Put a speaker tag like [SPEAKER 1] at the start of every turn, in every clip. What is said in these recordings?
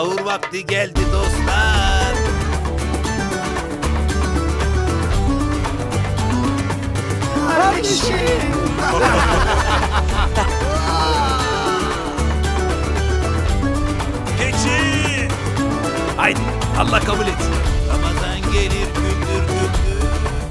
[SPEAKER 1] Sahur vakti geldi dostlar.
[SPEAKER 2] Kardeşim.
[SPEAKER 1] Keçi! Haydi Allah kabul etsin. Ramazan gelir güldür güldür.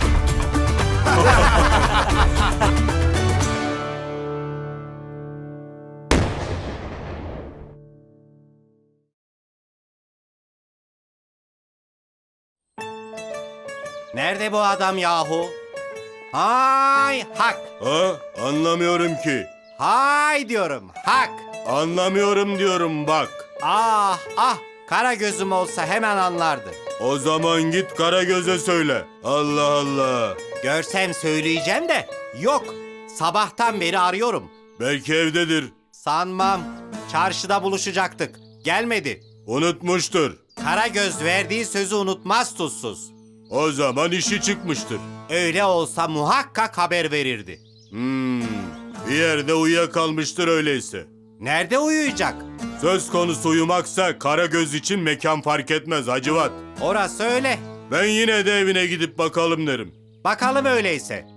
[SPEAKER 2] Nerede bu adam yahu? Hay hak.
[SPEAKER 3] Ha? Anlamıyorum ki.
[SPEAKER 2] Hay diyorum hak.
[SPEAKER 3] Anlamıyorum diyorum bak.
[SPEAKER 2] Ah ah. Kara gözüm olsa hemen anlardı.
[SPEAKER 3] O zaman git Karagöz'e söyle. Allah Allah.
[SPEAKER 2] Görsem söyleyeceğim de yok. Sabahtan beri arıyorum.
[SPEAKER 3] Belki evdedir.
[SPEAKER 2] Sanmam. Çarşıda buluşacaktık. Gelmedi.
[SPEAKER 3] Unutmuştur.
[SPEAKER 2] Karagöz verdiği sözü unutmaz tuzsuz.
[SPEAKER 3] O zaman işi çıkmıştır.
[SPEAKER 2] Öyle olsa muhakkak haber verirdi.
[SPEAKER 3] Bir yerde uyuyakalmıştır öyleyse.
[SPEAKER 2] Nerede uyuyacak?
[SPEAKER 3] Söz konusu uyumaksa Karagöz için mekan fark etmez Hacivat.
[SPEAKER 2] Orası öyle.
[SPEAKER 3] Ben yine de evine gidip bakalım derim.
[SPEAKER 2] Bakalım öyleyse.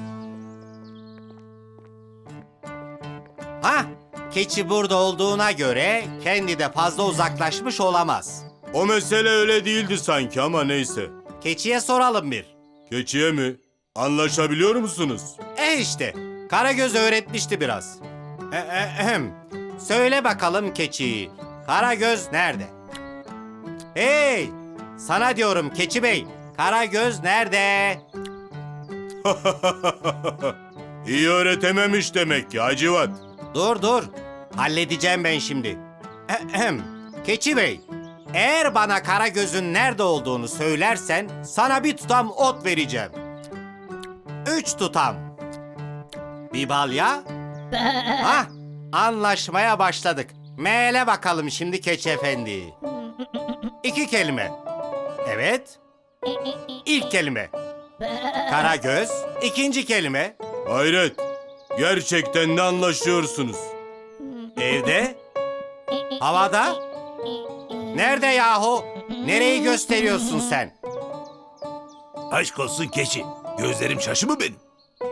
[SPEAKER 2] Ha, keçi burada olduğuna göre kendi de fazla uzaklaşmış olamaz.
[SPEAKER 3] O mesele öyle değildi sanki ama neyse.
[SPEAKER 2] Keçiye soralım bir.
[SPEAKER 3] Keçiye mi? Anlaşabiliyor musunuz?
[SPEAKER 2] İşte, Karagöz öğretmişti biraz. Söyle bakalım keçi, Karagöz nerede? Hey, sana diyorum keçi bey, Karagöz nerede?
[SPEAKER 3] İyi öğretememiş demek ki Hacivat.
[SPEAKER 2] Dur, halledeceğim ben şimdi. Keçi bey, eğer bana Karagöz'ün nerede olduğunu söylersen sana bir tutam ot vereceğim. 3 tutam. Bir balya. Hah, anlaşmaya başladık. Meğle bakalım şimdi keçi efendi. 2 kelime. Evet. İlk kelime. Karagöz. 2. kelime.
[SPEAKER 3] Hayret. Gerçekten de anlaşıyorsunuz.
[SPEAKER 2] Evde. Havada. Nerede yahu? Nereyi gösteriyorsun sen?
[SPEAKER 1] Aşk olsun keçi. Gözlerim şaşı mı benim?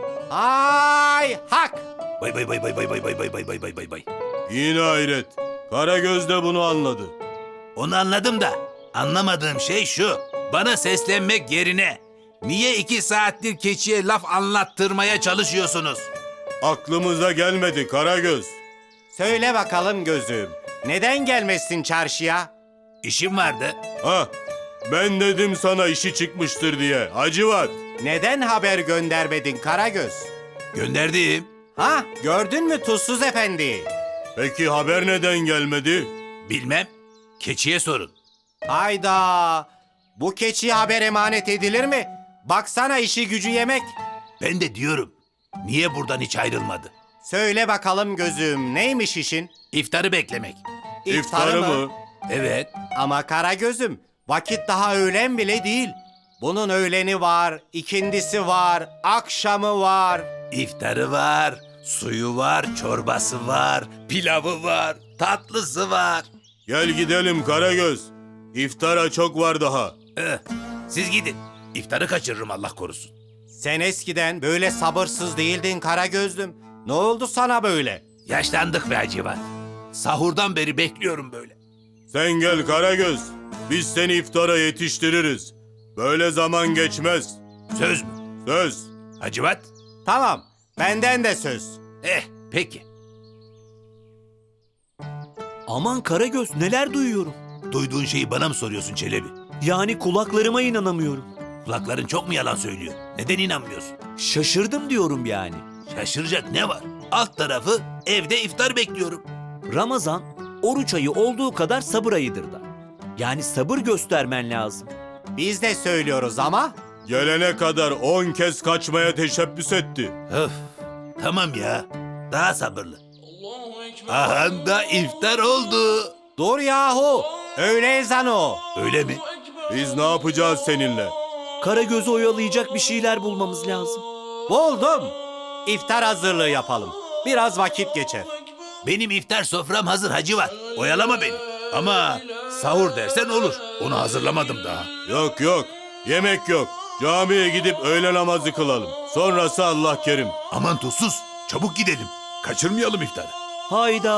[SPEAKER 2] Ay hak.
[SPEAKER 1] Bay bay bay bay bay bay bay bay bay bay bay bay bay.
[SPEAKER 3] Yine hayret. Karagöz de bunu anladı.
[SPEAKER 1] Onu anladım da anlamadığım şey şu. Bana seslenmek yerine niye 2 saattir keçiye laf anlattırmaya çalışıyorsunuz?
[SPEAKER 3] Aklımıza gelmedi Karagöz.
[SPEAKER 2] Söyle bakalım gözüm. Neden gelmezsin çarşıya?
[SPEAKER 1] İşim vardı.
[SPEAKER 3] Ha, ben dedim sana işi çıkmıştır diye. Hacivat.
[SPEAKER 2] Neden haber göndermedin Karagöz?
[SPEAKER 1] Gönderdim.
[SPEAKER 2] Ha, gördün mü Tuzsuz Efendi?
[SPEAKER 3] Peki haber neden gelmedi?
[SPEAKER 1] Bilmem. Keçiye sorun.
[SPEAKER 2] Hayda! Bu keçiye haber emanet edilir mi? Baksana işi gücü yemek.
[SPEAKER 1] Ben de diyorum. Niye buradan hiç ayrılmadı?
[SPEAKER 2] Söyle bakalım gözüm, neymiş işin?
[SPEAKER 1] İftarı beklemek.
[SPEAKER 3] İftarı mı?
[SPEAKER 1] Evet.
[SPEAKER 2] Ama Karagöz'üm, vakit daha öğlen bile değil. Bunun öğleni var, ikindisi var, akşamı var.
[SPEAKER 1] İftarı var, suyu var, çorbası var, pilavı var, tatlısı var.
[SPEAKER 3] Gel gidelim Karagöz. İftara çok var daha.
[SPEAKER 1] Siz gidin. İftarı kaçırırım Allah korusun.
[SPEAKER 2] Sen eskiden böyle sabırsız değildin Karagöz'üm. Ne oldu sana böyle?
[SPEAKER 1] Yaşlandık be Hacivat. Sahurdan beri bekliyorum böyle.
[SPEAKER 3] Sen gel Karagöz. Biz seni iftara yetiştiririz. Böyle zaman geçmez.
[SPEAKER 1] Söz mü?
[SPEAKER 3] Söz.
[SPEAKER 1] Hacivat?
[SPEAKER 2] Tamam, benden de söz.
[SPEAKER 1] Peki.
[SPEAKER 4] Aman Karagöz, neler duyuyorum.
[SPEAKER 1] Duyduğun şeyi bana mı soruyorsun Çelebi?
[SPEAKER 4] Yani kulaklarıma inanamıyorum.
[SPEAKER 1] Kulakların çok mu yalan söylüyor? Neden inanmıyorsun?
[SPEAKER 4] Şaşırdım diyorum yani.
[SPEAKER 1] Şaşıracak ne var? Alt tarafı evde iftar bekliyorum.
[SPEAKER 4] Ramazan, oruç ayı olduğu kadar sabır ayıdır da. Yani sabır göstermen lazım.
[SPEAKER 2] Biz de söylüyoruz ama
[SPEAKER 3] Gelene kadar 10 kez kaçmaya teşebbüs etti.
[SPEAKER 1] Öf, tamam ya. Daha sabırlı. Aha da iftar oldu.
[SPEAKER 2] dur yahu, öğle ezanı o.
[SPEAKER 1] Öyle mi?
[SPEAKER 3] Biz ne yapacağız seninle?
[SPEAKER 4] Karagöz'ü oyalayacak bir şeyler bulmamız lazım.
[SPEAKER 2] Buldum. İftar hazırlığı yapalım. Biraz vakit geçer.
[SPEAKER 1] Benim iftar sofram hazır Hacivat. Oyalama beni. Ama Sahur dersen olur. Onu hazırlamadım daha.
[SPEAKER 3] Yok yok, yemek yok. Camiye gidip öğle namazı kılalım. Sonrası Allah kerim.
[SPEAKER 1] Aman tuzsuz. Çabuk gidelim. Kaçırmayalım iftarı.
[SPEAKER 4] Hayda.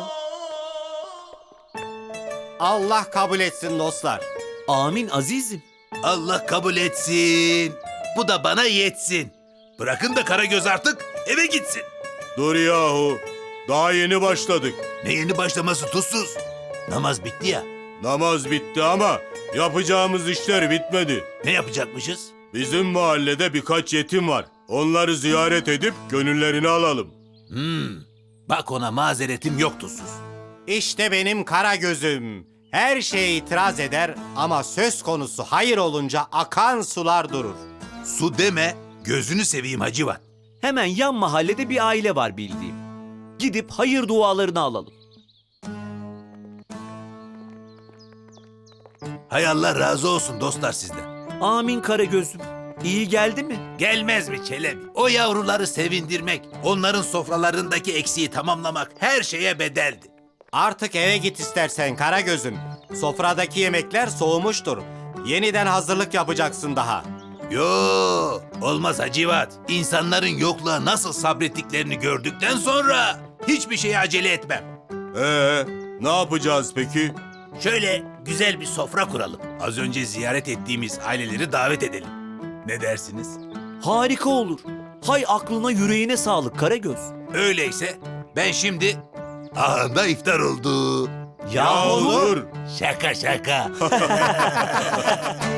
[SPEAKER 2] Allah kabul etsin dostlar.
[SPEAKER 4] Amin azizim.
[SPEAKER 1] Allah kabul etsin. Bu da bana yetsin. Bırakın da Karagöz artık eve gitsin.
[SPEAKER 3] Dur yahu, daha yeni başladık.
[SPEAKER 1] Ne yeni başlaması tuzsuz. Namaz bitti ya.
[SPEAKER 3] Namaz bitti ama yapacağımız işler bitmedi.
[SPEAKER 1] Ne yapacakmışız?
[SPEAKER 3] Bizim mahallede birkaç yetim var. Onları ziyaret edip gönüllerini alalım.
[SPEAKER 1] Bak ona mazeretim yok tuzsuz.
[SPEAKER 2] İşte benim kara gözüm. Her şeye itiraz eder ama söz konusu hayır olunca akan sular durur.
[SPEAKER 1] Su deme, gözünü seveyim Hacivat.
[SPEAKER 4] Hemen yan mahallede bir aile var bildiğim. Gidip hayır dualarını alalım.
[SPEAKER 1] Hay Allah razı olsun dostlar sizden.
[SPEAKER 4] Amin Karagöz'üm. İyi geldi mi?
[SPEAKER 1] Gelmez mi Çelebi? O yavruları sevindirmek, onların sofralarındaki eksiği tamamlamak her şeye bedeldi.
[SPEAKER 2] Artık eve git istersen kara gözüm. Sofradaki yemekler soğumuştur. Yeniden hazırlık yapacaksın daha.
[SPEAKER 1] Yo, olmaz Hacivat. İnsanların yokluğa nasıl sabrettiklerini gördükten sonra hiçbir şeye acele etmem.
[SPEAKER 3] Ne yapacağız peki?
[SPEAKER 1] Şöyle güzel bir sofra kuralım. Az önce ziyaret ettiğimiz aileleri davet edelim. Ne dersiniz?
[SPEAKER 4] Harika olur. Hay aklına yüreğine sağlık Karagöz.
[SPEAKER 1] Öyleyse ben şimdi... Ahanda iftar oldu.
[SPEAKER 4] Ya
[SPEAKER 3] dur.
[SPEAKER 1] Şaka şaka.